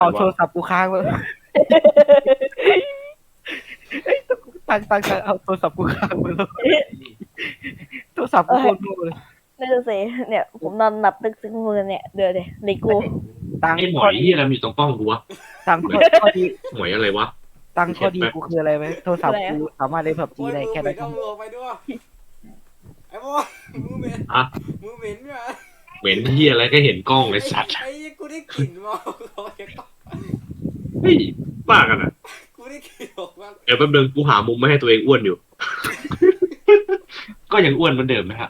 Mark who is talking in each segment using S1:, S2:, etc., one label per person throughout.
S1: เอาโทรศัพท์กูค้างไปตั้งเอาโทรศัพท์กูค้างไปแล้วโทรศัพท์กูโคตรโง่เลย
S2: นั่นสิเนี่ยผมนอนหลับตึกซึ้งมือเนี่ยเดี๋ยวเลยกู
S3: ไอ้หมอยที่อะไรอยู่ตรงกล้องกูวะ
S1: ตั้งข้อดี
S3: หมอยอะไรวะ
S1: ตั้งข้อดีกูคืออะไรไหมโทรศัพท์กูสามารถเล่นผับจีได้แค่นั้น
S4: เอามือออกไปด้วยไอ้บอยมือเหม็น
S3: อะ
S4: มือเหม็นเนี่ย
S3: เหม็นที่อะไรก็เห็นกล้องเลยสัตว์
S4: ไอ้กูได้กลิ่นมา
S3: เฮ้ยบ้ากันอ่ะ
S4: กูได้กลิ่นออกมา
S3: เดี๋ยวแป๊บนึงกูหามุมไม่ให้ตัวเองอ้วนอยู่ ก็ยังอ้วนเหมือนเดิมนะฮะ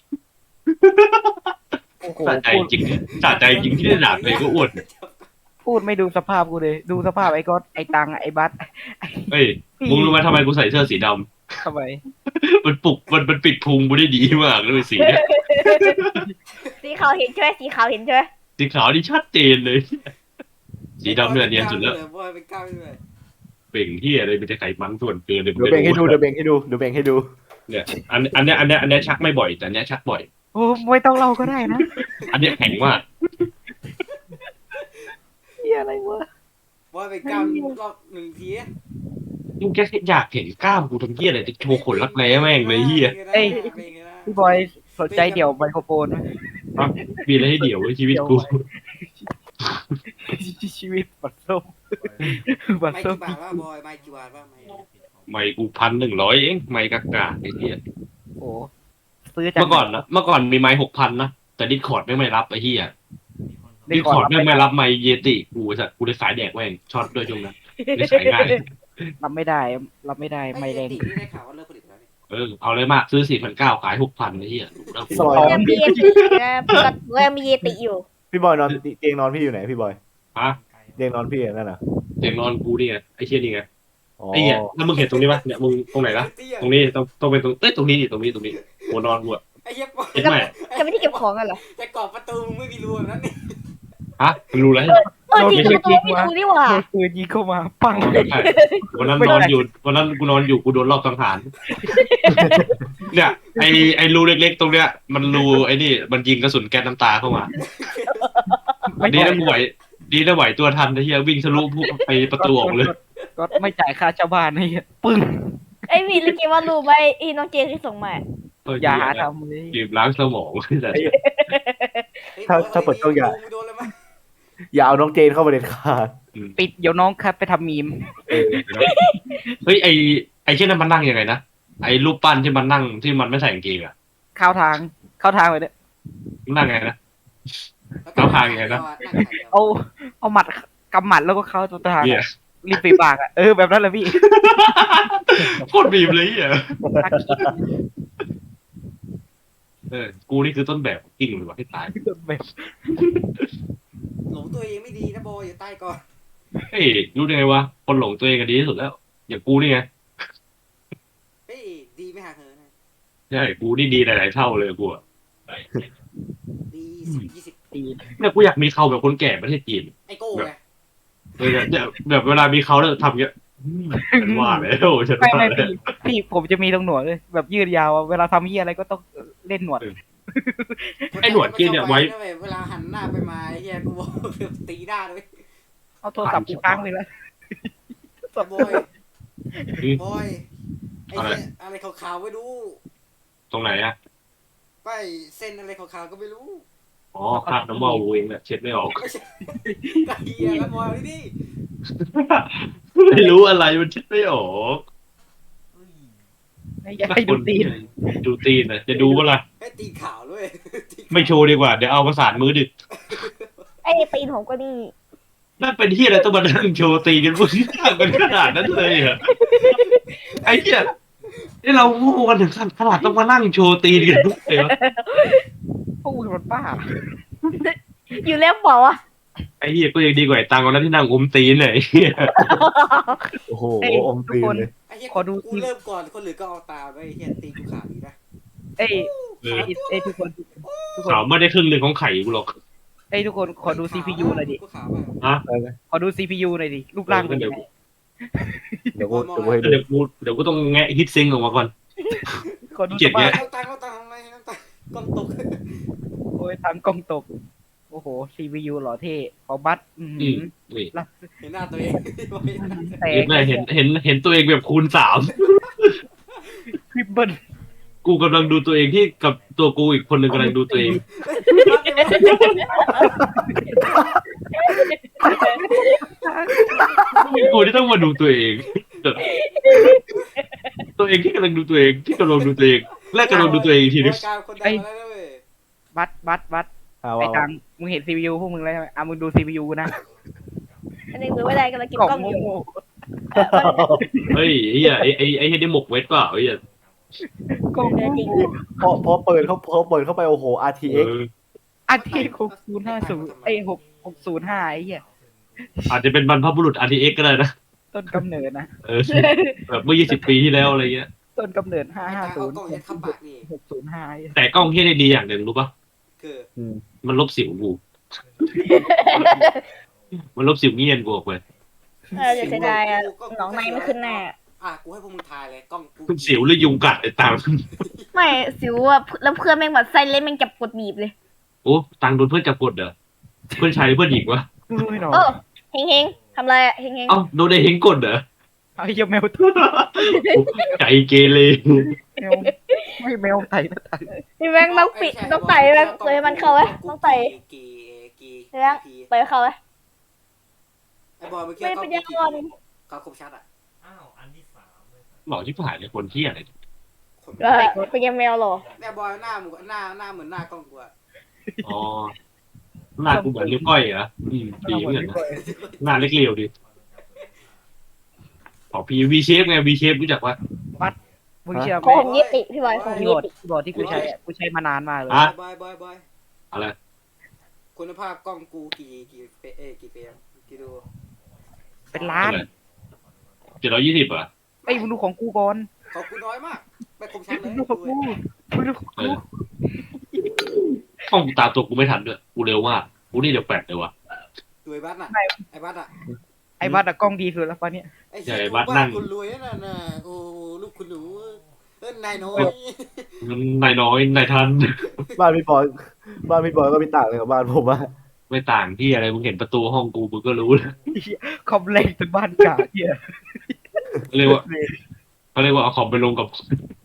S1: โอ้โห
S3: สะใจจริงสะใจจริงที่ได้ด่าตัวเองก็อ้วน
S1: พูดไม่ดูสภาพกูเลยดูสภาพไอ้ก๊อตไอ้ตังไอ้บัส
S3: เฮ้ยมึงรู้ไหมทำไมกูใส่เสื้อสีดำ
S1: ทำไม
S3: มันปลุกมันปิดพุงกูได้ดีมากเลยสีเนี่ย
S2: สีขาวเห็นใช่ไหมสีขาวเห็นใช่ไหม
S3: สีขาวนี่ชัดเจนเลย สีดำเนี่ยเนียนสุดแล้ว
S4: บอยเป็นก้าวด้วย
S3: เป่งที่อะไรเป็นไขมันส่วนเกินเลย
S5: เดี๋ยวเบ่งให้ดูเดี๋ยวเบ่งให้ดูเดี๋ยวเบ่งให้ดู
S3: เนี่ยอันเนี้ยชักไม่บ่อยแต่อันเนี้ยชักบ่อย
S1: โอ้ไม่ต้องเล่าก็ได้นะ
S3: อันเนี้ยแข็งมาก
S1: เฮียอะไรวะ
S4: บอยเป็นก้าวรอบหนึ่งที
S3: มึงแค่อยากเห็นกล้ามกูทำเหี้ยอะไรจะโชว์ขนรักแร้แม่งเลยเหี้ย
S1: พี่บอยสนใจเดี่ยวไมโครโฟนไหม
S3: มีอะไรให้เดี่ยวไว้ชีวิตกู
S1: ชีวิตบัดส้มบัด
S4: ไม่
S1: ส้ม
S4: กี่บาทว่าบอยไม่กี่บาทว่าไม่
S3: ไม่กู1,100เองไม่กากาไอ้เหี้ย
S1: โอ้ซื้อจาก
S3: เมื่อก่อนมีไม้6,000นะแต่ดิสคอร์ดไม่รับไอ้เหี้ยดิสคอร์ดไม่รับไมค์เยติกูสัตว์กูเลยสายแดกแม่งช็อตด้วยช่วงนั้นเลยสายง่าย
S1: รับไม่ได้ไม่แรง
S4: ติได้ข่าวว่าเลิกผลิตแล้ว
S3: เอาเลยมากซื้อ4,900ขาย6,000ไอ้เหี้ยแล้วกู
S2: ยังมีเยตินะปกติยังมีเยติอยู่
S5: พี่บอยนอนเตียงนอนพี่อยู่ไหนพี่บอย
S3: ฮะ
S5: เตียงนอนพี่นั่นน่ะ
S3: เตียงนอนกูนี่ไงไอ้เชี่ยนี่ไง
S5: อ๋อ
S3: ไอ้เหี้ยแล้วมึงเห็นตรงนี้ปะเนี่ยมึงตรงไหนนะตรงนี้ต้องเป็นตรงนี้ดิตรงนี้หัวนอนกูอะ
S4: ไอ้เหี้ย
S3: เห็นไหม
S2: จะไม่ได้เก็บของกันเหรอ
S4: แต่กรอบประตูมึงไม่มีรูแบบนั้นนี่
S3: ฮะมึงรู้แล้ว
S2: จริงประตูไม่ดูนี่หว่า
S1: โดนปืนยิงเข้ามาปัง
S3: ใช่วันนั้นนอนอยู่กูโดนรอบสังหารเนี่ยไอ้รูเล็กๆตรงเนี้ยมันรูไอ้นี่มันยิงกระสุนแก๊สน้ำตาเข้ามา
S1: ไม่
S3: ดีนะไหวตัวทันไอ้เหี้ยวิ่งทะลุไปประตูออกเลย
S1: ก็ไม่จ่ายค่าเช่าบ้านให้ปึ้ง
S2: ไอ้มีลิเกว่ารู้ไหมอีน้องเจที่ส่งมา
S1: อย่าหาทำเลย
S3: บีบล้างสมองแต่
S5: ถ้าเปิดกล้อง
S4: โดนเลยมั้ย
S5: อย่าเอาน้องเจนเข้ามาเด็ดขาด
S1: ปิดเดี๋ยวน้องครับไปทำมีม
S3: เฮ้ยไอ้เช่นนั้นมันนั่งยังไงนะไอ้รูปปั้นที่มันนั่งที่มันไม่ใส่กางเกงอะ
S1: เข้าทางไปเนี่ย
S3: มันนั่งไงนะ
S1: เอาหมัดกำหมัดแล้วก็เข้าตัวทาง
S3: เนี่ย
S1: รีบไปบากอ่ะแบบนั้นแหละพี่
S3: โคตรบีบเลยอ่ะกูนี่คือต้นแบบกิ้งเลยว่ะให้ตาย
S1: แบบ
S4: หลงตัวเองไม่ดีนะบอยอยู่ใต้ก่อน
S3: เฮ้ยรู้ได้ไงวะคนหลงตัวเองกันดีที่สุดแล้ว อย่างกูนี่ไง
S4: เฮ้ยดีไม่ห่างเหิน
S3: ใช่กูนี่ดีหลายๆเท่าเลยกูอะ
S4: ดี10-20
S1: ตีน
S3: เนี่ยกูอยากมีเขาแบบคนแก่ประเทศจีน
S4: ไอ้โก้ไง
S3: เนี่ยแบบเวลามีเขาแล้วทำเงี้ยฉันว่าแล้วฉัน
S1: ไม่
S3: ว่าแล้ว
S1: พี่ผมจะมีตรงหนวดเลยแบบยืดยาวเวลาทำเหี้ยอะไรก็ต้องเล่นหนวด
S3: ไอ้หนวดกินเนี่ยไว้
S4: เวลาหันหน้าไปมาไอ้เหี้ยกูบอกตีหน้าเลย
S1: เอาโทรศัพท์กูค้างไปแล้ว
S4: บอยไอ้เนี่ยอะไรขาวๆไม่รู้
S3: ตรงไหนอะ
S4: ไปเส้นอะไรขาวๆก็ไม่รู้
S3: อ๋อคราบน้ำมันเองแหละเช็ดไม่ออก
S4: ไม่ใช่ไอ้เหี้ยแล้วบอยนี่
S3: ไม่รู้อะไรมันเช็ดไม่ออก
S1: อยากให้ดูตีน
S3: ดูตีนนะจะดูว่าล่ะ
S4: ไอ้ตีขาวด้วย
S3: ไม่โชว์ดีกว่าเดี๋ยวเอาประสานมือดึก
S2: ไอ้ตีนผมก็นี่
S3: นั่นเป็นที่อะไรต้องมานั่งโชว์ตีกันพวกนี้กันขนาดนั้นเลยเหรอไอ้เหี้ยนี่เราโง่กันถึงขนาดต้องมานั่งโชว์ตีกันทุกเลยวะ
S1: พวกมึงมันป้า
S2: อยู่แล้วบอกว่า
S3: ไอ้เหี้ยก็ยังดีกว่าไอ้ตังค์วันนั้นที่นั่งอมตีนเลยไอ้เหี้ย
S5: โอ้โหอมตีนเลย
S4: ไอ้เหี้ยกูเริ่มก่อนคนอื่นก็เอาตามไอ้เหี้ยตีกูขาวดีนะ
S1: เอ้ทุกคน
S3: เขาไม่ได้ครึ่งหนึ่งของไข่กูหรอก
S1: ทุกคนขอดู CPU หน่อยดิ
S4: กูขาวมาก
S1: ขอดู CPU หน่อยดิรูปร่างเป็นยังไง
S5: เดี๋ยวกูให้ดู
S3: เดี๋ยวกูต้องแงะฮิตซิงออกมาก่อน
S1: ขอดู
S3: เจ็
S1: ส
S3: ดเนี่
S1: ภาพ
S3: ย
S4: เอาตังค์ทำไมกล้องตก
S1: โอ้ยทางกล้องตกโอ้โอ้โห CPU หล่อเท่ขอบัตร
S3: นี่
S4: เห็นหน้าตัวเอง
S1: แต่
S3: เห็นไหมเห็นตัวเองแบบคูณ3
S1: คลิปเบิ้ล
S3: กูกำลังดูตัวเองที่กับตัวกูอีกคนหนึ่งกำลังดูตัวเองกูที่ต้องมาดูตัวเอง ตัวเองที่กำลังดูตัวเองที่กำลังดูตัวเองและกำลังดูตัวเองอีกทีนึง
S4: การคนดังมาแล้วเว้ย
S1: บัตร
S5: เอา
S1: ไอ้
S5: เอา
S1: ตังมึงเห็น CPU พวกมึงแล้วใช่ไหมมึงดู CPU นะ
S2: อันนี้มือไม่ได้กำลังเก็บ
S1: กล่อง
S2: กล้องอยู่
S1: โง่
S3: เฮ้ยไอ้เหี้ยไอ้เหี้ยได้หมกเวทเปล่าไอ้เหี้ย
S1: ๆกล่อง
S2: เออจริง
S5: พอเปิดเข้าไปโอ้โห
S3: เอ
S5: RTX
S3: อ
S1: อันที่6050ไอ้605ไอ้เหี้ย
S3: อาจจะเป็นบรรพบุรุษ RTX ก็ได้นะ
S1: ต้นกำเนิดนะ
S3: เออแบบเมื่อ20 ปีที่แล้วอะไรเงี้ย
S1: ต้นกำเนิด
S4: ไอ้การเอากล้องยัดเข้าปากนี่
S1: 550 605ไอ้เหี้ย
S3: แต่กล้องที่ได้ดีอย่างหนึ่งรู้ปะ
S4: คือ
S3: มันลบสิวกูมันลบสิวเงียนกูออกไป
S2: จะเสียดายอะหนองในไม่ขึ้นหน้า
S4: กูให้พวกมึงทายเลยกล้องกู
S3: สิวหรือยุงกัดไอ้ตัง
S2: ไม่สิวอะแล้วเพื่อนแม่งแบบไส้เล่นแม่งจับกดบีบเลย
S3: โอ้ตังโดนเพื่อนจับกดเหรอเพื่อนชายหรือเพื่อนหญิงวะ
S1: ไม่หนอ
S2: เออเฮงเฮงทำไรอะเฮงเฮง
S3: เอ้าโดนไอ้เฮงกดเหรอ
S1: ไอ้เหี้ยแมวตัว
S3: ใจเกเร
S1: แมวไม่แมวไต่นะไต่
S2: พี่แม่งต้องปิดต้องไต่แม่งเลยมันเข้าไว้ต้องไต่
S4: กี่
S2: เรื่อง ไปเข้าไว้
S4: ไอ้บอยเมื่อกี้
S2: ไม่
S4: กล้
S2: เป็
S4: อน ง
S2: ยัง
S4: กี่
S2: อ่อน
S4: กล้องคมชัดอ่ะ
S3: หล่อชิบหายเลยคนที่อะไร
S4: คน
S2: เป็นยังแมวหรอ
S4: แม่บอยหน้ามึงหน้าเหมือนหน้ากล้องกูอ่ะ
S3: อ๋อหน้ากูเหมือนลิ้วก้อยเหรอดีเหมือนกันนะหน้าเล็กเรียวดิขอพีวีเชฟไงวีเชฟรู้จักว่า
S1: มึงเชื่อไห
S2: ข
S1: ม
S2: องผมยี่ติพี่บอยของผม
S1: คีย์
S2: ยี่
S1: บอร์ด
S2: ติ
S1: คีย์บอร์ดที่กูใช้อะกูใช้มานานมากเลย
S3: อ่ะ
S4: บอย
S3: อะไร
S4: คุณภาพกล้องกูกี่เฟรมกี่ดู
S1: เป็นล้าน
S3: 720อ่ะ
S1: ไอ้ยมึงดูของกูก่อน
S4: ของกูน้อยมากไม่คมชัดเลย
S1: มึงดูของกูมึงดูของ
S3: เอ
S1: กู
S3: อห้องตามตัวกูไม่ทันด้วยกูเร็วมากกูนี่เร็วแปดเลยวะ
S4: ดูไอ้บัสน่ะไอ้บัสอ่ะ
S1: ไอ้บัตรอะกล้องดีสุดแล้วปะเนี่ย
S4: ไอ้เหี้ยบ้านคุณรวยนั่นน่ะโอ้ลูกคุณหนูนายน้อย
S3: นายน้อยนายทัน
S5: บ้านพี่บอยก็ไม่ต่างเลยกับบ้านผมอะ
S3: ไม่ต่างที่อะไรมึงเห็นประตูห้องกูมึงก็รู้แล้ว
S1: คอมเล็กจนบ้านกาเหี้ย
S3: เรียกว่าเขาเรียกว่าเอาคอมไปลงกับ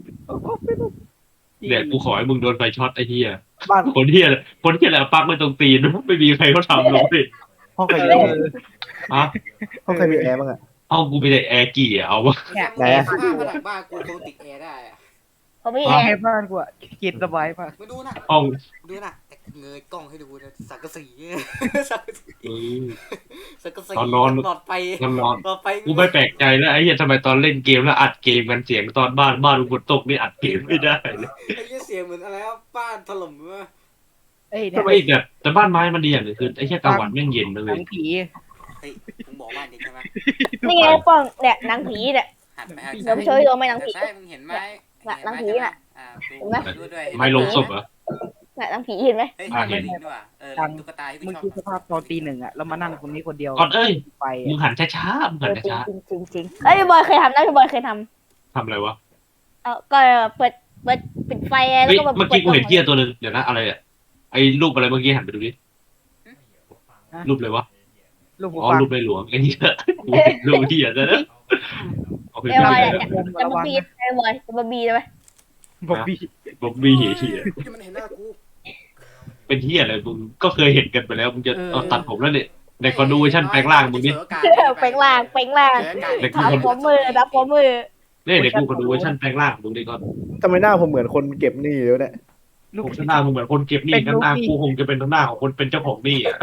S3: เนี่ยกูขอให้มึงโดนไฟช็อตไอ้เหี้ย
S5: บ้าน
S3: คนเหี้ยอะไรเอาปลั๊กไว้ตรงตีนไม่มีใครเขาทำลงดิ
S5: ห้องใครมีแอร์
S3: อ่ะ
S5: ห้องใครมีแอร์บ้างอะ
S3: ห้องกูมีแต่แอร์กี่อ่ะเอาวะ
S4: ไหนอะผ้าผนังบ้านกูคงติดแอร์ได้อะ
S2: ผมไม่
S1: แอ
S2: แอร์
S1: ร์บ้านกูอะเย็นสบายมาก
S4: มาดูนะ
S3: ห้อง
S4: ดูนะเงยกล้องให้ดูนะสังกะสีสังกะสี
S3: อืม
S4: สังกะสี
S3: ตอนนอน
S4: หลอดไป
S3: นอน
S4: หลอดไป
S3: กูไม่แปลกใจแล้วไอ้เหี้ยทำไมตอนเล่นเกมแล้วอัดเกมกันเสียงตอนบ้านกูฝนตกนี่อัดเกมไม่ได้เลย
S4: ไอ้เหี้ยเสียงเหมือนอะไรวะบ้านถล่มวะ
S1: เอ้ย
S3: ทำไมอีกเนี่ยแต่บ้านไม้มันดีอย่างหนึงคือไอ้แค่กลางวันแม่งเย็นเล
S1: หนั
S3: ย
S1: งผี
S4: เฮ้ยมึงบอกบ้านเด็กใช่ไหม
S2: นี่ไงป้องเนี่ยหนังผีเนี่ย
S4: หันไป
S2: เดี๋ยวช่วยดูไหมหนังผี
S4: ใช่มึงเห็นไหม
S2: หนังผีน่ะ
S4: ดูด้วย
S3: ไม่ลงศพเหรอ
S2: เนี่ยหนังผีเห็นไหม
S4: เฮ้ย
S3: เห็น
S4: ลิงด้วยว่ะตุ๊กตาที่กู
S1: มึง
S4: ชอบ
S1: คิดสภาพตอนตีหนึ่งอะแล้วมานั่งคนนี้คนเดียว
S3: ก่อนเอ้ย
S1: ไป
S3: มึงหันช้าๆมึงหันช้า
S2: จริงจริงจริงเอ้ยพี่บอยเคยทำนะพี่บอยเคยท
S3: ๆทำอะไรวะ
S2: ำก็เปิดปิดไฟแล้ว
S3: เฮ้ย
S2: ก็แบบ
S3: เมื่อกี้กูเห็นเกียร์ตัวนึงเดี๋ยวนะอะไรอ่ะไอ้รูปอะไรเมื่อกี้หันไปดูดิรูปอะไรวะ
S1: ลูกหู
S3: อ๋อ
S1: ฟัง
S3: รูปในหลวงไอ้นี่กูเห็นรูปที่อ่ะนะเอาไป
S2: เอ้ยบอย
S3: ดู
S2: จะมาบีไอ้บอยจะมาบีได้ไหม
S1: บอกพี่
S3: บ๊อบบี้เหี้ย
S4: ที่มันเห็นหน้ากู
S3: เป็นเหี้ยอะไรมึงก็เคยเห็นกันไปแล้วมึงจะเอาตัดผมแล้วเนี่ยในคอนดูเวอร์ชันแปลงร่างมึงนี่
S2: เป่งล่างทับหัวมือทับหัวมือ
S3: เนี่ยเด็กกูคอนดูเวอร์ชันแปลงร่างมึงนี่ก็
S5: ทำไมหน้าผมเหมือนคนเก็บหนี้แล้วเนี่ย
S1: ลูก
S3: ผมหน้ามึงเหมือนคนเก็บหนี้กันหน้ากูคงจะเป็นหน้าของคนเป็นเจ้าของหนี้อ่ะ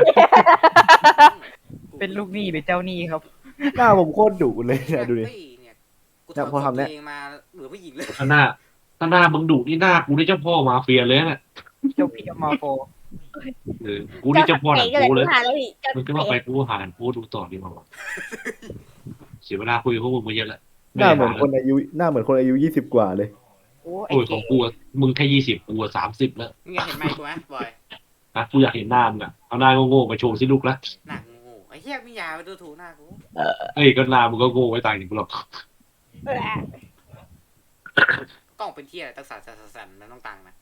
S1: เป็นลูกหนี้หรือเจ้าหนี้ครับ
S5: หน้าผมโคตรดุเลยเนี่ยดูดิ
S4: กูถอด
S5: พอทำเนี่ย
S4: เองมาเหลือผู้หญิงเลย
S3: ถ้าหน้ามึงดุนี่หน้ากูนี่เจ้าพ่อมาเฟียเลยน่ะ
S1: เจ้าพี่มาโฟ
S3: กูนี่เจ้าพ่อหนังกูเลย
S2: หาแล้วพี่
S3: มึงก็ว่าไปกูหานกูดูต่อดีกว่าเสียเวลาคุยกับพวกมึงมาเยอะแล้ว
S5: หน้าเหมือนคนอายุ20 กว่าเลย
S1: โอ้ไอ้
S3: โอ้ยข
S1: เก๋
S3: องกูอะมึงแค่20กูอะ30แล้ว
S4: มึงอยากเห็นไหมกูไหมบอย
S3: นะกูอยากเห็นหน้ามึงอะเอาหน้าโง่ๆมาโชว์สิลูกละ
S4: หนักงูไอ้เหี้ยมียาไปดูถูกหน้ากู
S3: เอ้ยก็หน้ามึงก็โง่ไว้ต่างจากกูหรอก
S4: กล้องเป็นเที่ยตั้งสั่นนั่นต้องตังนะ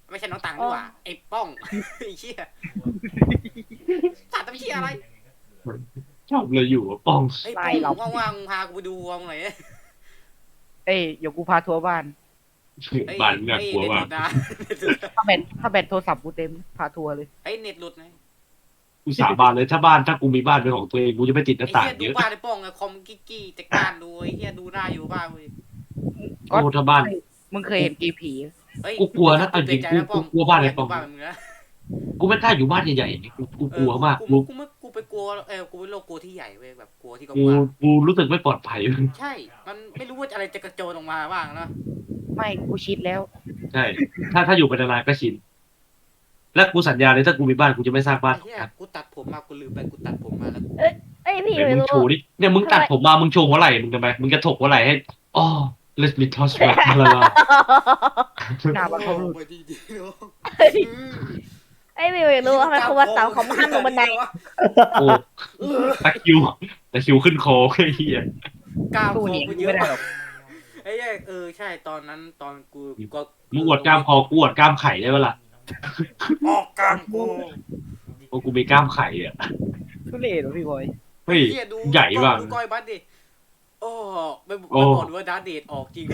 S4: ไม่ใช่น้องตังดีกว่าไอ้ป้องไอ้เชี่ยสัตว์ทำเชี่ยอะไร
S3: ชอบเลยอยู่ป้อง
S4: ไอ้ป้องว่างๆมึงพากูไปดูวงหน่อย
S1: เอ้ยเดี๋ยวกูพาทัวร์บ้าน
S3: บ้านน่ากลัวมาก
S1: ถ้าแบตโทรศัพท์กูเต็มพาทัวร์เลย
S4: ไอ้เน็ตหลุดไง
S3: กูสาบานเลยถ้ากูมีบ้านเป็นของตัวเองกูจะไม่ติดห
S4: ไอ้
S3: น้าต่าง
S4: เฮีย
S3: เย
S4: ดู
S3: อะ
S4: บ้านไอ้ป้องอะคอมกี้แต่การดูไอ้เฮียดูหน้าอยู่บ้านเว้ย
S3: โอ้ถ้าบ้าน
S1: มึงเคยเห็นกีผี
S4: เฮ้ย
S3: กูกลัวนะเอาจริงกูกลัวบ้านไอ้ป้อง
S4: บ้านมึงนะ
S3: กูไม่กล้าอยู่บ้านใหญ่ๆอย่างนี้กูกลัวมากกู
S4: กูไปกลัวกูเป็นโรคกลัวที่ใหญ่เว้ยแบบกลัวที่ก
S3: กู
S4: ว้าง
S3: กูรู้สึกไม่ปลอดภัย
S4: ใช่ มันไม่รู้ว่าอะไรจะกระโจนออกมาบ้างนะ
S1: ไม่กูชิดแล้ว
S3: ใช่ถ้าอยู่ไปนานๆก็ชินและกูสัญญาเลยถ้ากูมีบ้านกูจะไม่สร้างบ้าน
S4: ไอ้เฮียกูตัดผมมากูลืมไปกูตัดผมมาแล้ว
S2: เอ้ยพี่
S3: เดี๋ยว
S2: ไม่
S3: มึง
S2: รู้
S3: โชว์ดิเนี่ยมึงตัดผมมามึงโชว์หัวไหล่มึงทำไมมึงจะถกหัวไหล่ให้อ๋อ let me touch back มาละ
S1: หน้าบ้านเขา
S4: ไปดีๆเนาะ
S2: เอ้ยพี่ไม่รู้ทำไมครูวัดเสาเขามาห้ามลงบันได
S3: โอ้ตะคริวขึ้นคอไอ้เหี้ย
S4: ก้าว
S1: ตู้
S4: โค
S1: หนี
S4: กู
S1: กู
S4: เย
S1: ไม่
S4: อะ
S1: ได้หรอก
S4: ไอ้เหี้ยใช่ตอนนั้นตอนกูก็
S3: มึงอวดกล้ามคอกูอวดกล้ามไข่ได้ปะล่ะ
S4: ออกกลางกู
S3: โอ้กูมีกล้ามไข่อ่ะ
S1: ทุเรศเหรอพี่บอย
S3: เฮ้ย
S4: เหี้ยดู
S3: ใหญ่ป่ะ
S4: ดูก้อยบัสดิโอ้ไม่
S3: โอ้
S4: บอกดูว่าดาร์ธเดทออกจริง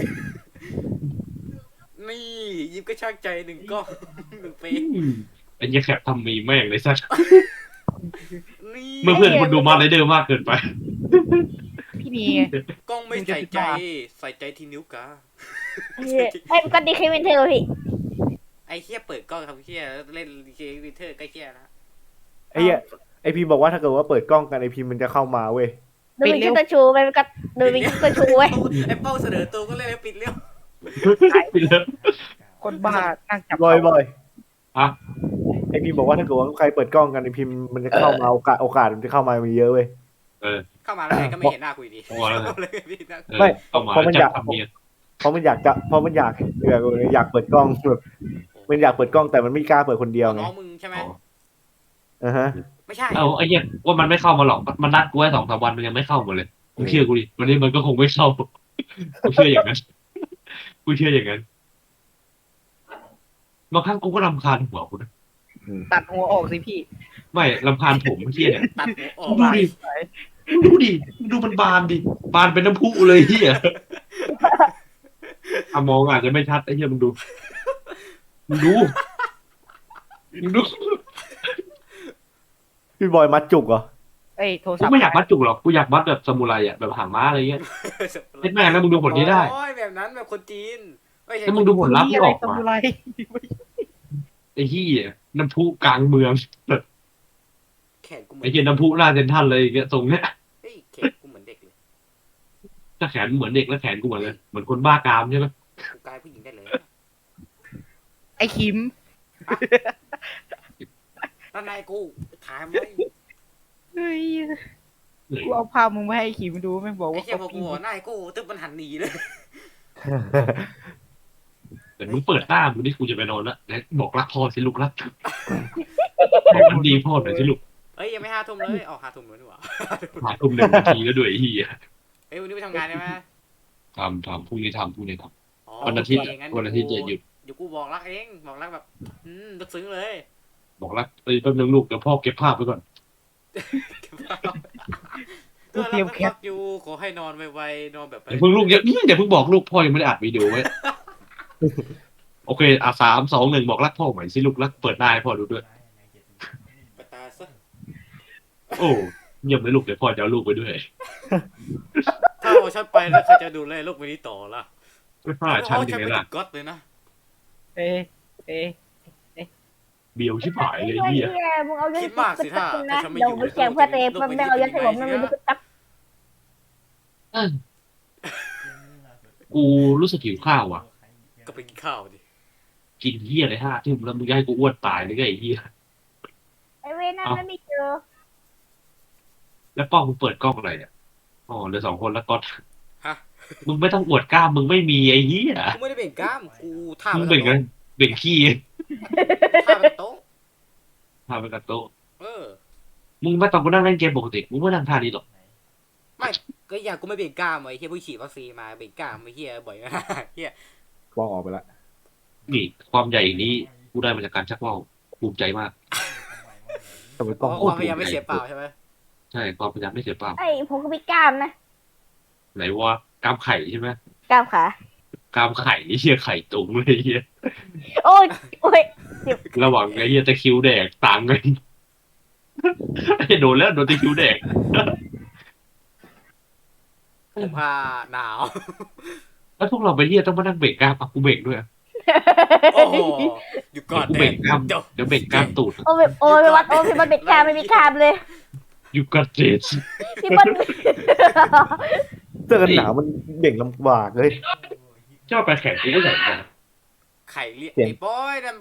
S4: นี่ยิ้มก็ช่างใจหนึ่งกล้องหนึ่งเฟซ
S3: ไอ้เหี้ยแคปทำมีแม่งเลยสัส
S4: นี่
S3: เมื่อเพื่อนคนดูมาไรเดอร์มากเกินไป
S1: พี่นี
S4: กล้องไม่ใส่ใจใส่ใจที่นิ้วกา
S2: ไอ้ปกติเคยเป็นเธอพี่
S4: ไอ้เฮียเปิดกล้องทำเฮียเล่นเกมวินเทอร์ใกล้เฮียนะ
S5: ไอ้เหี้ยไอพีบอกว่าถ้าเกิดว่าเปิดกล้องกันไอพีมันจะเข้ามาเว้ย
S2: โดยเป็นคิดตัวชูไปก็โดยเป็นคิดตัวชูไว้ย
S4: ไอ้เป้าเสนอตัวก็เล่นแล้วปิดเร็ว
S1: คนบ้านั่งจับ
S5: บ่อย
S3: ฮะ
S5: ไอพีบอกว่าถ้าเกิดว่าใครเปิดกล้องกันไอพีมันจะเข้ามาโอกาสมันจะเข้ามามีเยอะเว้ย
S4: เข้ามาแล้วไงก็ไม่เห็นหน้ากูอยู่ดี
S3: โอ้แล้ว
S4: เลยพี่นะ
S5: ไม่
S3: ต้องมา
S5: เพราะมัน
S3: จั
S5: อยา
S3: บ
S5: ก
S3: ทำเนียน
S5: เพราะมันอยากเปิดกล้องแบบมันอยากเปิดกล้องแต่มันไม่กล้าเปิดคนเดียวไง
S4: น้องมึงใช่ไหม
S5: อ่าฮะ
S4: ไม่ใช่
S3: เอาไอ้เหี้ยว่ามันไม่เข้ามาหรอกมันนัดกูไว้2-3 วันมันยังไม่เข้ามาเลยกูเชื่อกูดิวันนี้มันก็คงไม่เข้ากูเชื่ออย่างนั้นกูเชื่ออย่างนั้นบางครั้งกูก็รำคาญหัวกูนะ
S1: ตัดหัวออกสิพี่
S3: ไม่รำคาญผมเฮียเนี่ย
S4: ตัดหัวออก
S3: ดูมันบานดิบานเป็นน้ำพุเลยเฮียอะมองอาจจะไม่ชัดไอ้เฮียมึงดู
S5: พี่บอยมัดจุกเหรอ
S1: เอ้ยโทร
S3: กู
S1: ศัพท์
S3: ไม่อยากมัดจุกหรอกกูอยากมัดแบบซามูไรอ่ะแบบหางม้าอะไรเงี้ยเฮ็ดแม่งแล้วมึงดูผลที่ได้
S4: โอ้ยแบบนั้นแบบคนจีนไม่ใช่
S3: แล้วมึงดูผลลัพธ์ที่ออก
S1: ทำ
S3: มา
S1: อะไร
S3: ไอ้เฮียน้ำพุกลางเมือง
S4: แขนกูเหมือ
S3: ไอ้
S4: น
S3: เฮียน้ำพุหน้าเซนทรัลเลยอย่างเงี้ยทรงเนี้ย
S4: เฮ้ยแขนกูเหมือนเด็กเลย
S3: ถ้าแขนเหมือนเด็กแล้วแขนกูเหมือนเลยเหมือนคนบ้ากามใช่ไหม
S4: กูกลายผู้หญิงได้เลย
S1: ไอ้คิม
S4: แล้วนายกูถามไว้
S1: เฮ้ยกูเอาภาพมึงมาให้ไอ้คิมดูไม่บอก
S4: ไอ้
S1: ว่า
S4: เชี่ยพอกูบอกนายกูตึ๊บมันหันหนีเลย
S3: แต่มึงเปิดหน้ามึงนี่กูจะไปนอนแล้วแล้วบอกรักพ่อสิลูกรักมันดีพ่อหน่อยสิลูก
S4: เอ้ยยังไม่5 ทุ่มเลยออก5 ทุ่มแล้วนี่หว่า
S3: หาทุ่ม1 นาทีแล้วด้วยไอ้เฮีย
S4: เอ้ยวันนี้ไปทำงานได้ไหม
S3: ทำพรุ่งนี้ทำ
S4: อ๋อ
S3: วันอาทิตย์
S4: โเคงั้
S3: วันอาทิตย์จะหยุด
S4: เดี๋ยวกูบอกรักเองบอกรักแบบลึกซึ้งเลย
S3: บอกรักแป๊บนึงลูกเดี๋ยวพ่อเก็บภาพไว้ก่อน
S4: ตัวรักรักอยู่ขอให้นอนไวๆนอนแบบ
S3: เดี๋ยวเพิ่งลูกอย่าเพิ่งบอกลูกพ่อยังไม่ได้อัดวิดีโอไว้ โอเค3-2-1บอกรักพ่อใหม่สิลูกรักเปิดหน้าให้พ่อดูด้วย
S4: ไปตาซะ
S3: โอ้เยี่ยมเลยลูกเดี๋ยวพ่อจะเอาลูกไปด้วย
S4: ถ้าเอาฉันไปแล้วใครจะดูแลลูกไปนี้ต่อล่ะ
S3: ไม่พลาดชั้น
S4: เอา
S3: ยั
S4: ฉั
S3: ง
S4: น
S3: ไง
S4: ไป
S3: ล่ะ
S4: ถึงก๊อตเลยนะ
S1: เอ๊ะเอ๊ะ
S3: เบียวชิบหายเลย
S2: ไอ้
S3: เฮีย
S2: เหี้ยมึงเอาเรื่อง
S4: คิดมากสิถ้า
S2: นะ
S4: ฉันไม่
S2: เดี๋
S4: อ
S2: ยว
S4: ยู่
S2: ไปแข่งเพื่อเตะเพื่อแม่เอาเรื่องให้ผมนั่นมันตัก
S3: กูรู้สึกหิวข้าวอ่ะ
S4: ก็ไปกินข้าวดิ
S3: กินเฮียเลย5 ทุ่มแล้วมึงจะให้กูอ้วนตายเลยไงไอ้เฮีย
S2: ไอ้เว้ยนั่นไม่เจอ
S3: แล้วป้องมึงเปิดกล้องอะไรเนี่ยอ๋อเหลือ2 คนแล้วก็
S4: ฮะ
S3: มึงไม่ต้องอวดกล้ามมึงไม่มีไอ้เหี้ย
S4: กูไม่ได้เบ่งกล้ามกูท่า
S3: มึง
S4: ไป
S3: เบ่ง
S4: กั
S3: กัน นเบ่งขี้
S4: ท่าไปโต๊ะ
S3: ทำไปกับโต๊ะ
S4: เออ
S3: มึงไม่ต้องกูนั่งเล่นเกมปกติมึงไม่นั่งท่านี้หรอก
S4: ไม่ก็อย่างกูไม่เบ่งกล้ามไอ้เฮียผู้ฉีดวัคซีนมาเบ่งกล้ามไอ้เฮียบ่อยมากเฮีย
S5: วางออกไปละ
S3: นี่ความใหญ่นี้กูกูได้มาจากการชักว่าวภูมิใจมาก
S5: แต่มัน
S4: เพ
S5: ต้อง
S4: ราะ
S5: โค
S4: ค
S5: ต
S4: วาร มพยายามไม่เสียเปล่าใช่ไหม
S3: ใช่ความพยายามไม่เสียเปล่า
S2: ไอ้ผมก็มีกล้ามนะ
S3: ไหนว่ากล้ามไข่ใช่ไหม
S2: กล้ามขาก
S3: ล้ามไข่เฮียไข่ตุงเลยเฮีย
S2: โอ้ยโอ้ย
S3: ระหว่างไอ้เฮียตะคริวแดกต่างกันไอ้โดนแล้วโดนตะคริวแดก
S4: ผมผ้าหนาว
S3: แล้วพวกเราไปเฮียต้องมานั่งเบรกกล้ามอ่ะกูเบรกด้วยอ่ะ
S4: โอ้โหอยู่ก่อน
S3: กูเบรกกล้าม
S4: เดี๋ยว
S3: เดี๋ยวเบรกกล้ามตูด
S2: โอ้ยโอ้ยวัดโอ้ยพี่บอลเบ็ดกล้ามไม่มีกล้ามเลย
S3: ยูกัดเจส
S2: พี่บอล
S5: เสื้อกันหนาวมันเบ่งลำบากเลย
S3: ชอบไปแข่งกูก็ใส่กัน
S4: ไข่เรียก
S5: เสียง
S4: ไอ้บอยนั่น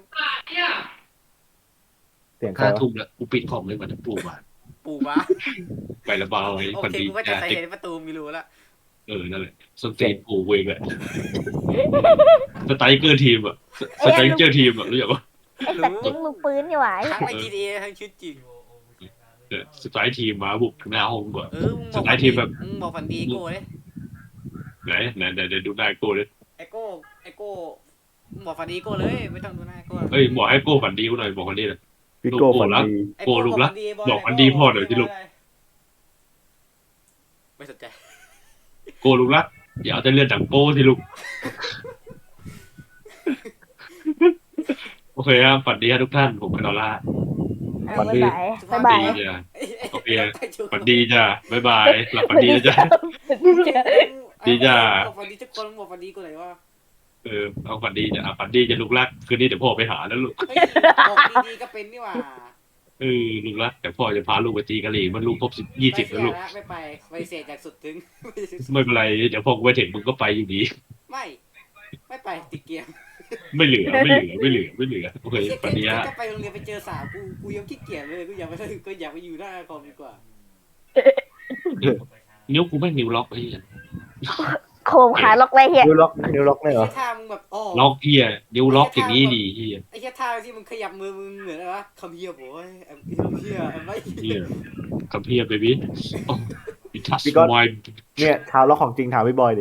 S5: เสียงใคร
S3: 5
S5: วะ
S3: ทุ่มแล้วกูปิดคอมเลยมันจะปลูกมา
S4: ปูมา
S3: ไประบาย
S4: โอ
S3: ฝัน
S4: เค
S3: ดี
S4: กูก็จะ
S3: จ้า
S4: ใส่เห็นประตูมีรูแล้ว
S3: นั่นแหละสเตนปูเวงแหละสไตรเกอร์ทีมอะสไตรเกอร์ทีมอะรู้จักปะ
S2: ไอ้สัตว์ยิงมือปืนนี่หว่า
S4: ทั้งใน GTA ทั้งชีวิตจริง
S3: สไตรทีมมาบุกหน้าห้องก่อน
S4: มึง
S3: สไตล์ทีมแบบ
S4: มึงบอกฝันดีโก้เลย
S3: ไหนเดี๋ยวดูหน้าโก้เลย
S4: ไอโก้มึงบอกฝันดีโก้เลยไม่ต้องดูหน้าโก้
S3: เอ้ยบอกให้โก้ฝันดีกูหน่อยบอกฝันดีหน่อย
S5: พี่โก้ฝันดี
S4: ไอ้
S3: โก้ลูกรักบอกฝันดีพ่อหน่อยสิลูก
S4: ไม่สนใจ
S3: โก้ลูกรักอย่าเอาแต่เลือดดังโก้สิลูกโอเคครับฝันดีครับทุกท่านผมเป็นดอลล่า
S2: บ๊ายบายบ๊ายบาย
S3: ดีจ้ะโอเคฝันดีจ้ะบ๊ายบายหลับฝันดีนะจ้ะ ดีจ้ะ
S4: บอกฝันดีทุกคนบอกฝันดีกูเลยว่า
S3: เอาฝันดีจ้ะฝันดีจะลูกรักคืนนี้เดี๋ยวพ่อไปหาแล้วลูก
S4: เฮ้ยบอกดีๆก็เป็นนี่หว่า
S3: ลูกรักแต่พ่อจะพาลูกไปตีกะหรี่มันลูกครบ20แล้วลูก
S4: ไม่ไปไปเสียจากสุดถึง
S3: ไม่เป็นไรเดี๋ยวพอกูไปถึงมึงก็ไปอยู่ดี
S4: ไม่ไปติดเกียร์
S3: ไม่เหลือโอเคฝันดีฮะ
S4: ก็ไปโรงเรียนไปเจอสาวกูยังขี้เกียจเลยกูอยากไปอยู่หน้าคอมดีกว่า
S3: นิ้วกูไม่งนิ้วล็อกไอ้เหี้ย
S2: โคมขาล็อกไรเฮีย
S5: นิวล็อกเนี่ยเหรอ
S4: ไอ้ท่ามึงแบบอ๋อ
S3: ล็อกเหี้ยนิ้วล็อกอย่างนี้ดีเหี้ย
S4: ไอ้แค่ท่าที่มึงขยับมือมึงเหมือนอะไรวะคำเฮียโว้ยคำเฮียไม่
S3: เหี้ยกับเหี้ยเบบี้โอ้ยทัชวาย
S5: เนี่ยชาวล็อกของจริงถามพี่บอยดิ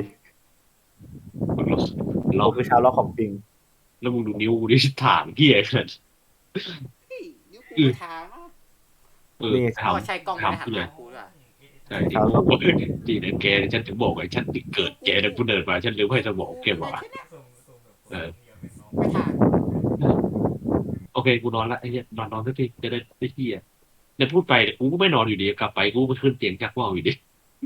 S3: ล็
S5: ผ
S3: อก
S5: มคือชาวล็อกของจริง
S3: แล้วมึงดูนิ้วกูดิถางเหี้ยขนาด
S4: นิ้วกูทาง
S3: ถาม
S4: ใช่กล้องไม่ได้หันหากูด้วย
S3: ใช่ที่กูบอกดีนะแกฉันถึงบอกไอ้ฉันเกิดแกเนี่ยกูเดินมาฉันลืมให้สมองแกมา
S4: ไม่ทาง
S3: โอเคกูนอนละไอ้เหี้ยนอนสักทีจะได้เหี้ยเดี๋ยวพูดไปเดี๋ยวกูก็ไม่นอนอยู่ดีกลับไปกูไปขึ้นเตียงจักว่าวอยู่ดี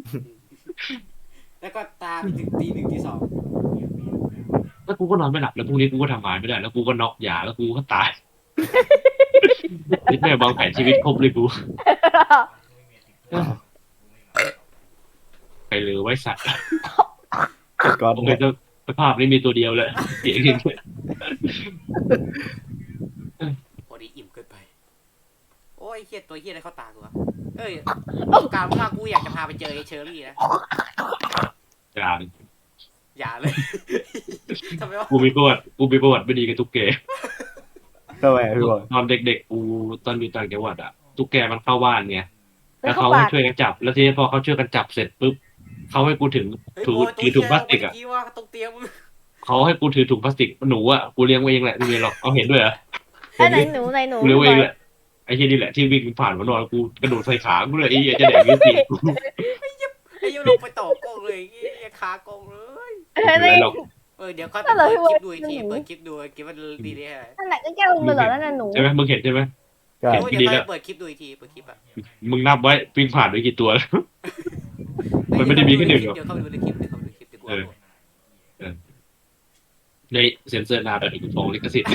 S4: แล้วก็ตามถึงตี 1 ตี 2
S3: แล้วกูก็นอนไม่หลับแล้วพรุ่งนี้กูก็ทำงานไม่ได้แล้วกูก็น็อกยาแล้วกูก็ตายนี่แม่วางแผนชีวิตครบเลยกูไปเลยไว้สัตว์
S5: ก่อน
S3: โอเคสภาพนี้มีตัวเดียวเลยเสียงอย่างเงี้ย
S4: พอดีอิ่มเกินไปโอ้ยเฮียตัวเฮียอะไรเข้าตากูวะเอ้ยการว่ากูอยากจะพาไปเจอไอ้เชอรี่นะ
S3: อย่า
S4: อย่าเลยทำไมวะ
S3: กูมีประวัติไม่ดีกับตุ๊กแก
S5: ทำไมพี่บอย
S3: ตอนเด็กๆกูตอนอยู่ต่างจังหวัดอะตุ๊กแกมันเข้าบ้านไงแล้วเขาให้ช่วยกันจับ แล้วทีนี้พอเขาช่วยกันจับเสร็จปุ๊บเขาให้กูถือถุงพลาสติกอะ
S4: ว่าตรงเตียงมึง
S3: เขาให้กูถือถุงพลาสติกหนูอะกูเลี้ยงไว้เองแหละไม่มีหรอกเอาเห็นด้วยเหรอ
S2: ไอ้ไหนหนูไหนหนู
S3: กูเลี้ยงไว้เองแหละไอ้ที่นี่แหละที่วิ่งผ่านมานอนกูกระโดดใส่ขากูเลยไอ้เหี้ยจะแดกยืดตีกู
S4: ไอ้ยูลงไปต่อกล้องเลยไอ้ขากล้องเลย
S3: ไม่เป็นไรหรอก
S4: เดี๋ยวก็เปิดคลิปดูอีกทีเปิดคลิปดูคลิปมันดีเลย
S2: นั่นแหละก็แก้ลงไปเหรอนั่นน่ะหนู
S3: ใช่ไหมมึงเห็นใช่ไหม
S5: ใช่
S4: เดี๋ยวเปิดคลิปดูอีกทีเปิดคลิปอ่ะ
S3: มึงนับไว้วิ่งผ่านไปกี่ตัวแล้ว มันไม่ได้มีแค่หนึ่งหรอก
S4: เดี๋ยวเข้าไปดูในคลิปเดี๋ยวเข้าไปดูคลิปเดี๋ยวกูเอาหมด
S3: ในเซ็นเซอร์นาแบบถูกฟ้องลิขสิทธิ์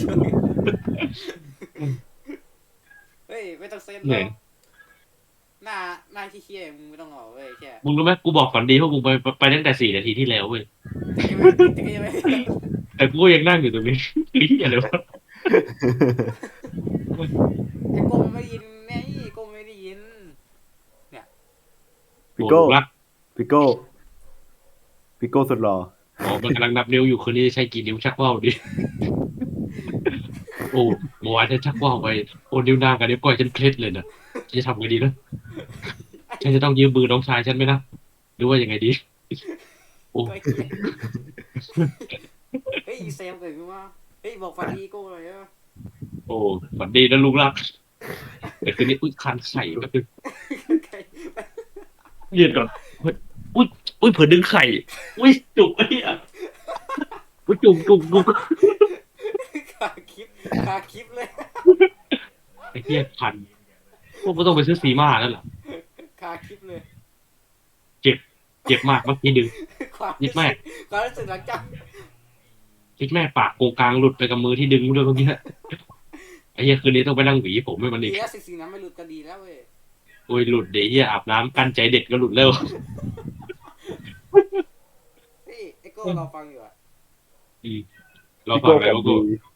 S4: เฮ้ยไม่ต้องเซ็น
S3: เหนื่อย
S4: หน้าที่เคี้ยมึงไม่ต้องเอาเว้ยแค่
S3: มึงรู้ไหมกูบอกฝันดีพวกมึงไปตั้งแต่4 นาทีที่แล้วเว้ย แต่กูก็ยังนั่งอยู่ตรงนี้ เหี้ยอะไรวะ
S4: ไอ้โก้ไม่ได้ยินไงโก้ไม่ได้ยิน
S5: พี่โก้
S3: รัก
S5: พี่โก้สุดหล่อ
S3: อ๋อมันกำลังนับนิ้วอยู่คืนนี้จะใช้กี่นิ้วชักว่าวดิ โอ้เมื่อวานฉันชักว่าวไปโอ้นิ้วนางกับนิ้วก้อยฉันเคล็ดเลยนะจะทำไงดีนะฉันจะต้องยืมมือน้องชายฉันไหมนะหรือว่ายังไงดี โอ้
S4: เฮ้ยเซลเกิดขึ้นมาเฮ้ยบอกฝันดีโก้เลยอ่ะ
S3: โอ้ฝันดีนะลูกรักแต่คืนนี้อุ้ยคันไข่ก็คือยืดก่อนเฮ้ยอุ้ยเผื่อดึงไข่อุ้ยจุกไอ้เหี้ยอุ้ยจุก
S4: ขาคลิปขาคลิปเลย
S3: ไอ้เหี้ยคันพวกมึงต้องไปซื้อซีมาแล้วเหรอ
S4: ขาคลิปเลย
S3: เจ็บมากเมื่อกี้ดึง
S4: ความ
S3: ยิบแม่
S4: ความรู้สึกหลังจาก
S3: ยิบแม่ปากโกงกลางหลุดไปกับมือที่ดึงด้วยเมื่อกี้ไอ้เหี้ยคืนนี้ต้องไปนั่งหวีผมให้มัน
S4: ดี
S3: อีก
S4: แล้วสิ่งนั้นไม่หลุดก็ดีแล้วเว้ย
S3: โอ้ยหลุดเดี๋ยวเหี้ยอาบน้ำกั้นใจเด็ดก็หลุดแล้ว
S4: เฮ้ยไอโก้เราฟังอยู่อะ
S3: เราฟังอะไรวะกู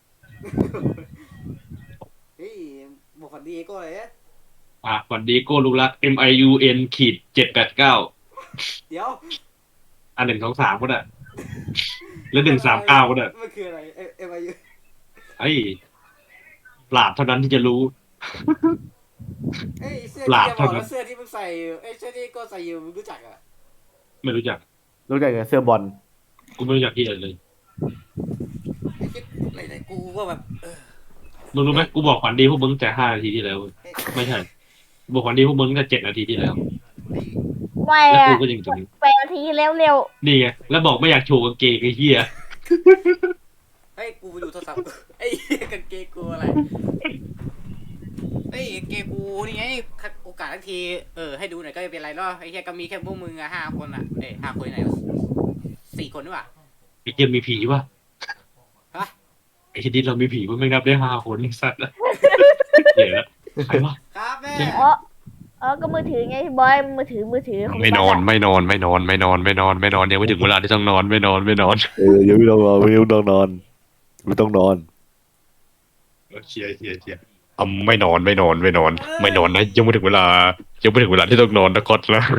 S4: เฮ้ยบอกฝันดีไอโก้เลยอะ
S3: สวัสดีโก้ลูกรัก MIUN ขีด789
S4: เดี๋ยว
S3: อัน123ก็ได้แล้ว139ก็ได้
S4: มันคืออะไรเอ็มไอยู
S3: ไอ้ปราดเท่านั้นที่จะรู้
S4: เอ้ยเสื้อ
S3: ปรา
S4: ที่
S3: บ
S4: จะบอก
S3: เท่านั้น
S4: แล้วเสื้อที่มึงใส่อยู่เอ้ยเสื้อที่โก้ใส่อยู่มึงรู้จักอะ
S3: ไม่รู้จัก
S5: รู้จักกับเสื้อบอล
S3: กูไม่รู้จักที่อะไรเลย
S4: ไอ้คิดไหนๆกูก็แบบ
S3: มึงรู้ไหมกูบอกฝันดีพวกมึงแต่5 นาทีที่แล้วเว้ย
S4: เอ้ย
S3: ไม่ใช่กูบอกฝันดีพวกมึงแต่7 นาทีที่แล้ว
S2: ไม่
S3: แล้ว
S2: อะ
S3: กูก็ยังอยู่ตรงนี้
S2: ไปนาทีเร็ว
S3: นี่ไงแล้วบอกไม่อยากโชว์กางเกงไอ้เหี้ย
S4: เฮ้ยกูไปดูโทรศัพท์ ไอ้เหี้ยกางเกงกูอะไรเฮ้ยกางเกงกูนี่ไงโอกาสทักทีให้ดูหน่อยก็ไม่เป็นไรเนาะไอ้เหี้ยก็มีแค่พวกมึงอะ5 คนอะ5 คนไหนวะ4 คนด้วยวะ
S3: ไอ้เหี้ยมีผีป่ะ
S4: ฮะ
S3: ไอ้เหี้ยดิเรามีผีว่าไม่นับได้5 คนไอ้สัตว์ละเดี๋ยวนะใครวะ
S4: ครับแม่
S2: ๆก็มือถือไงบอยมือถือของ
S3: ไม่นอนยังไม่ถึงเวลาที่ต้องนอนไม่นอน
S5: ยังไม่ต้องนอนไม่ต้องนอนไม่ต้องนอน
S3: เชียร์ไม่นอนนะยังไม่ถึงเวลาที่ต้องนอนนะก๊อตนะ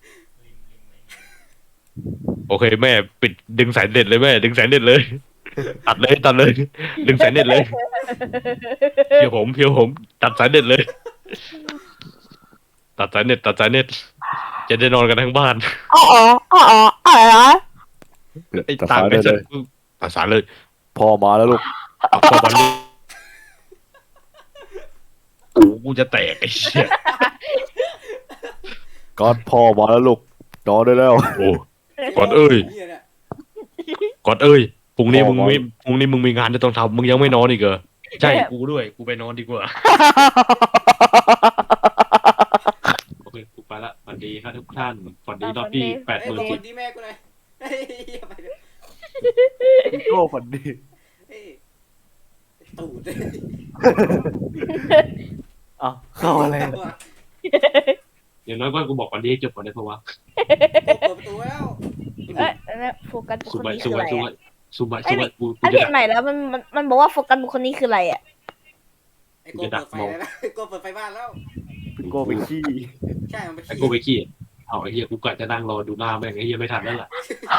S3: โอเคแม่ปิดดึงสายเน็ตเลยแม่ดึงสายเน็ตเลยตัดเลยดึงสายเน็ตเลยเพียวผมตัดสายเน็ตเลยตัดสายเน็ตจะได้นอนกันทั้งบ้าน
S2: อ๋อ
S3: ไอ้ต่างไอ้สัตว์ตัดสายเลย
S5: พ่อมาแล้วลูก
S3: เอาเข้ามาเลยกูจะแตกไอ้เชี่ย
S5: ก๊อตพ่อมาแล้วลูกนอนได้แล้ว
S3: โอ้ ก่อนเอ้ย
S4: หี้นี่
S3: กอดเอ้ยพรุ่งนี้มึงมีงานจะต้องทำมึงยังไม่นอนอีกเหรอใช่กูด้วยกูไปนอนดีกว่าโอเคกูไปละสวัสดีครับทุกท่านสวัสดีรอบที่
S4: เอ้ยบอก
S3: 80,000
S4: วันดีแม่กูหน่อยเฮ้ยเหี้ยไปเลย
S5: โก้ฝันดี
S4: เฮ้ยตูดเลย
S5: อ้าวเข้าอะไร
S3: อย่างน้อยก็กูบอกวันนี้ให้จบก่อนได้เพราะว่า
S4: เปิดประตูแล้ว
S2: โฟกัสบุค
S3: สุ
S2: คล
S3: บัย
S2: นี้
S3: สุ
S2: คือ
S3: บั
S2: อะ
S3: ย
S2: ไร
S3: สุบัย
S2: อะ
S3: กู
S2: ไอ้
S3: จะ
S2: เห็นใหม่แล้วมันบอกว่าโฟกัสบุคคลนี้คืออะไรอะ
S4: ไอ้โก้เปิดไฟแล้วไอ้โก้เปิดไฟบ้านแล้ว
S5: โก้ไปขี้
S4: ใช่มันไป
S3: ไอ้
S4: ขี้
S3: กูไปขี้เอาไอ้เหี้ยกูกะจะนั่งรอดูหน้าแม่งไอ้เหี้ยไม่ทันแล้วล่ะ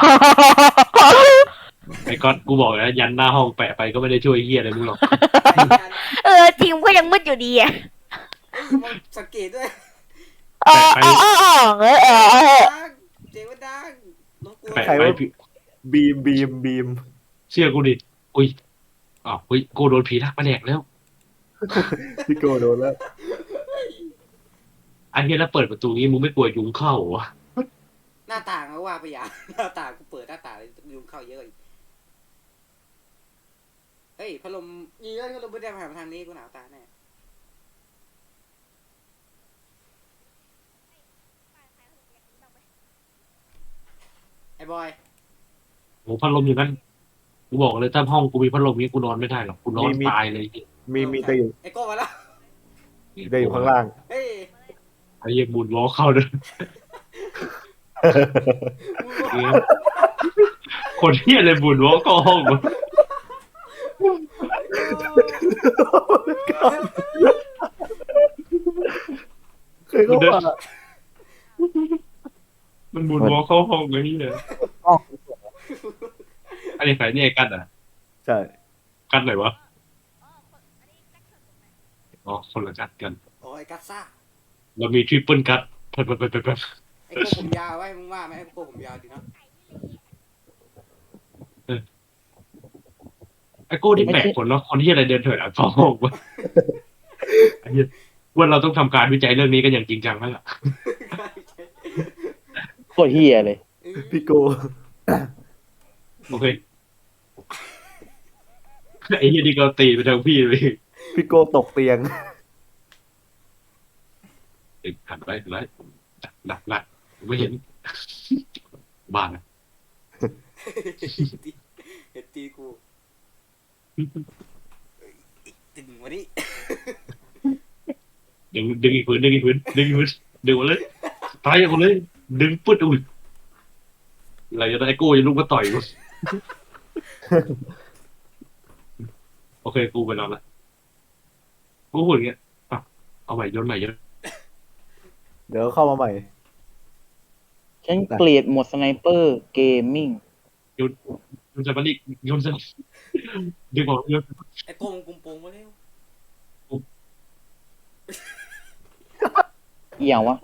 S3: ไอ้ก๊อตกูบอกแล้วยันหน้าห้องแปะไปก็ไม่ได้ช่วยเหี้ยอะไรมึงหรอก
S2: จริงก็ยังมืดอยู่ดีอะ
S4: มันสังเกตด้วย
S3: แปะไป
S4: ดังเจ๋งว่าดังรบกวน
S3: แปะไป
S5: บีม
S3: เชื่อกูดิอุ้ยอ้าวเฮ้ยกูโดนผีทักมาแดกแล้ว
S5: พี่โก้โดนแล้ว
S3: อันนี้แล้วเปิดประตูนี้มึงไม่กลัวยุงเข้าเหรอ
S4: หน้าต่างก็ว่าไปอย่างหน้าต่างกูเปิดหน้าต่างเลยยุงเข้าเยอะอีกเฮ้ยพัดลมยี่ห้อพัดลมไม่ได้ผ่านมาทางนี้กูหนาวตาแน่ไอ้บอย
S3: โหพัดลมอย่างนั้นกูบอกเลยถ้าห้องกูมีพัดลมนี้กูนอนไม่ได้หรอกกูนอนตายเลย
S5: มีแต่อยู่
S4: ไอ้โก้มาแล้ว
S5: ได้อยู่ข้างล่าง
S4: เฮ้ย
S3: ไอ้เหี้ยบุญล้อเข้าเลย
S4: มึง
S3: คนเหี้ยเลยบุญล้อเข้าห้องวะ
S5: เคยเข้ามา
S3: มันบุญล้อเข้าห้องเลยนี่เลยอันนี้ใครนี่ไอ้กันอ่ะ
S5: ใช่
S3: กันไหนวะอ๋อคนละกัน
S4: โอ้ยกัสซ่า
S3: เรามีทริปเปิลกัดไป
S4: ไอ้โก้ผมยาวไว้มึงว่าไหมไอ้โก้ผมยาวดีเนาะ
S3: ไอ้โก้ที่แปลกคนเนาะคนที่อะไรเดินเถิดอ่ะท้องวะไอ้เหี้ยว่าเราต้องทำการวิจัยเรื่องนี้กันอย่างจริงจังแล้วล่ะ
S6: โคตรเฮียเลย
S5: พี่โก
S3: โอเคไอ้เหี้ยนี่ก็ตีไปทางพี่เลย
S5: พี่โกตกเตียง
S3: หันไปหลักไม่เห็นบ้านอะ
S4: เห็ดตีกูตึงวันนี้
S3: ดึงอีกผืนดึงหมดเลยตายหมดเลยดึงปุ๊ดอุ้ยอะไรจะได้ไอ้โก้จะลุกมาต่อยกูโอเคกูไปนอนละกูพูดอย่างเงี้ยอ่ะเอาใหม่ย้อนใหม่ย้อน
S5: เดี๋ยวเข้ามาใหม่
S6: ฉันเกลียดหมดสไนเปอร์เกมมิ่ง
S3: ย้อนจะมาดิย้อนจะดึงออกย้อน
S4: ไอ้โก้มึงกุมโปงมาเร็ว
S6: อีหยังวะ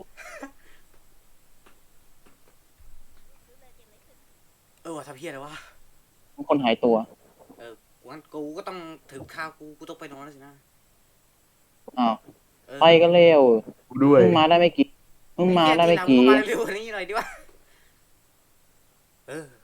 S4: ว่ะทำเพี้ยอะไรวะ
S6: คนหายตัว
S4: งั้นกูก็ต้องถึงข้าวกูต้องไปนอนแล้วสินะ
S6: อ้าว
S4: เออ
S6: ไปกันเร็ว
S5: ด้วย
S6: มึงมาได้ไม่กี่มึงมาได้ไม่กี่
S4: ไอ้เหี้ยทีหลังมึงมาเร็วกว่านี้หน่อยดิวะเออ